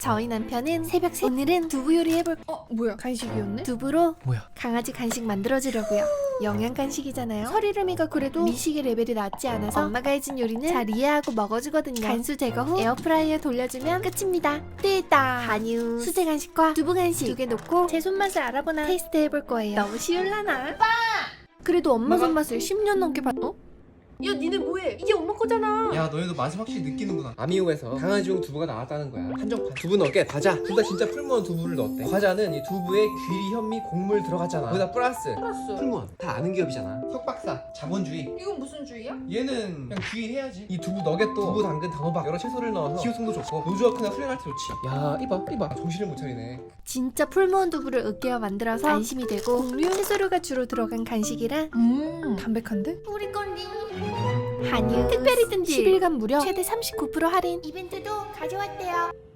저희 남편은 새벽 오늘은 두부 요리 해볼 뭐야 간식이었네? 두부로 뭐야? 강아지 간식 만들어주려고요. 영양 간식이잖아요. 설이름이가 그래도 미식의 레벨이 낮지 않아서 엄마가 해준 요리는 잘 이해하고 먹어주거든요. 간수 제거 후 에어프라이어 돌려주면 끝입니다. 됐다. 한유 수제 간식과 두부 간식 두 개 놓고 제 손맛을 알아보나 테스트 해볼 거예요. 너무 쉬울라나? 그래도 엄마 손맛을 10년 넘게 봤어? 야 니네 뭐해? 이게 엄마 거잖아. 야 너희도 맛을 확실히 느끼는구나. 아미오에서 강아지용 두부가 나왔다는 거야. 한정판. 두부 넣게 과자. 둘 다 진짜 풀무원 두부를 넣었대. 과자는 이 두부에 귀리, 현미, 곡물 들어갔잖아. 거기다 플러스 풀무원. 다 아는 기업이잖아. 석박사, 자본주의. 이건 무슨 주의야? 얘는 그냥 귀해야지. 이 두부 너겟도 두부, 당근, 단호박 여러 채소를 넣어서 기호성도 좋고 노즈워크나 훈련할 때 좋지. 야 이봐 정신을 못 차리네. 진짜 풀무원 두부를 으깨어 만들어서 안심이 되고 곡류, 채소류가 주로 들어간 간식이라 담백한데? 우리 건디 한유 특별히 뜬 10일간 무려 최대 39% 할인 이벤트도 가져왔대요.